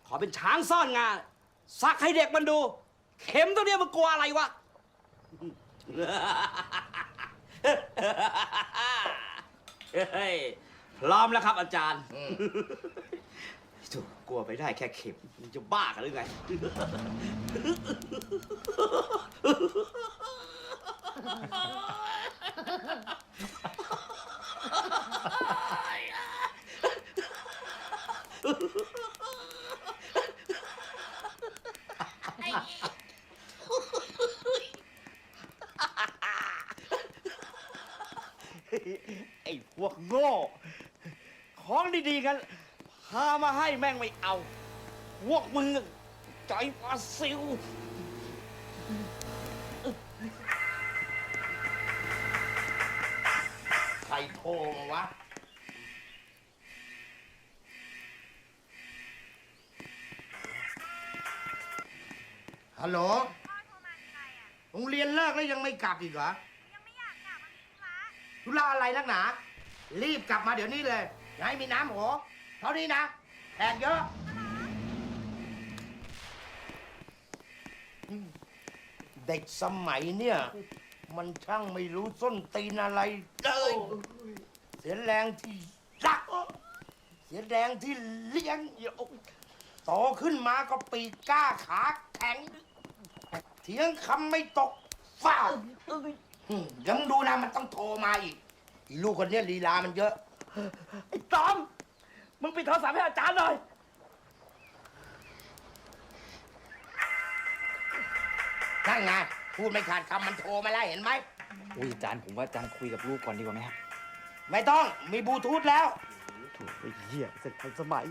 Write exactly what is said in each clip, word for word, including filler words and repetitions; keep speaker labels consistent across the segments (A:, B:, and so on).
A: ขอเป็นช้างซ่อนงาสักให้เด็กมันดู เข็มตัวเนี้ยมันกลัวอะไรวะ เฮ้ยพร้อมแล้วครับอาจารย์ถูกกลัวไปได้แค่เข็มมึงจะบ้ากันหรือไง ไอ้พวกโง่ ของดีๆกันพามาให้แม่งไม่เอา พวกมึงใจปลาซิว
B: ใครโทรมาวะ ฮัลโหลโรงเรียนเลิกแล้วยังไม่กลับอีกเหรอ
C: ยังไม่อยากกลับมันมีธุระ
B: ธุระอะไรนักหนา รีบกลับมาเดี๋ยวนี้เลยอย่าให้มีน้ำหัวเท่านี้นะแขกเยอะเด็กสมัยเนี่ย มันช่างไม่รู้ส้นตีนอะไรเลยเสียแรงที่รัก เสียแรงที่เลี้ยงโตขึ้นมาก็ปีกกล้าขาแข็ง เถียงคำไม่ตกฟ้าวยังดูนะมันต้องโทรมาอีกอีลูกคนเนี้ยลีลามันเยอะ
A: ไอ้ตอม มึงปิดโทรศัพท์ให้อาจารย์หน่อย
B: นั่นไงพูดไม่ขาดคำมันโทรมาแล้วเห็นไหม
D: อุ้ยอาจารย์ผมว่าอาจารย์คุยกับลูกก่อนดีกว่าไหมครับ
B: ไม่ต้องมีบลูทูธแล้ว
D: ถูกไอ้เหี้ยเสร็จทันสมัย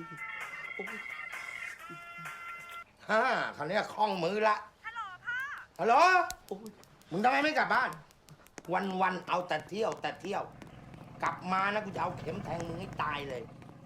B: ฮ่าเขาเนี้ยคล่องมือละ
C: ฮัลโหลพ่อ
B: ฮัลโหลมึงทำไมไม่กลับบ้าน วันวันๆเอาแต่เที่ยวแต่เที่ยว กลับมานะกูจะเอาเข็มแทงมึงให้ตายเลย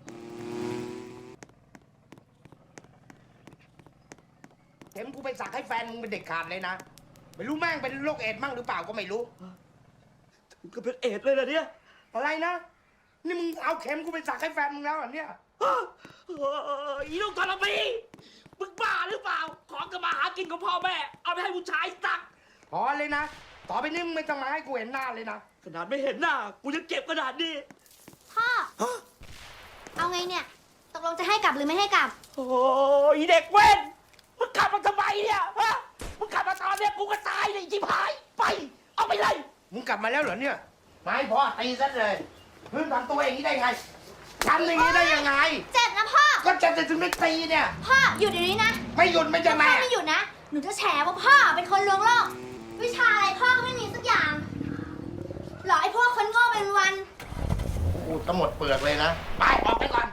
B: เข็มกูไปสักให้แฟนมึงเป็นเด็กขาดเลยนะ ไม่รู้แม่งเป็นโรคเอดส์มั่งหรือเปล่าก็ไม่รู้
A: มึงก็เป็นเอดเลยนะเนี่ย
B: อะไรนะ นี่มึงเอาเข็มกูไปสักให้แฟนมึงแล้วเหรอเนี่ย
A: อีลูกทรพีมึงบ้าหรือเปล่า ของก็มาหากินของพ่อแม่ เอาไปให้ผู้ชายตัก
B: พอเลยนะ ต่อไปนี้มึงไม่ต้องมาให้กูเห็นหน้าเลยนะ
A: ขนาดไม่เห็นหน้า กูยังเจ็บขนาดนี้
C: พ่อ เอาไงเนี่ย ตกลงจะให้กลับหรือไม่ให้กลับ
A: โอ้ยเด็กเว้น มึงขับมาทำไมเนี่ยฮะ มึงขับมาตอนเนี้ยกูก็ตายเลยจิบหาย ไป เอาไปเลย
B: มึงกลับมาแล้วเหรอเนี่ยไม่พอตีซะเลยมึงทำตัวอย่างนี้ได้ไงทำอย่างนี้ได้ยังไง
C: เจ็บนะพ่อ
B: ก็จะจะถึงได้ตีเนี่ย
C: พ่อหยุดเดี๋ยวนี้นะ
B: ไม่หยุดไม่จะ
C: พ่
B: แม่
C: อไม่หยุดนะ หนูจะแฉว่าพ่อเป็นคนลวงโลก วิชาอะไรพ่อก็ไม่มีสักอย่าง หรอไอ้พวกคนโง่เป็นวัน
B: กูจะหมดเปลือกเลยนะ ไปออกไปก่อน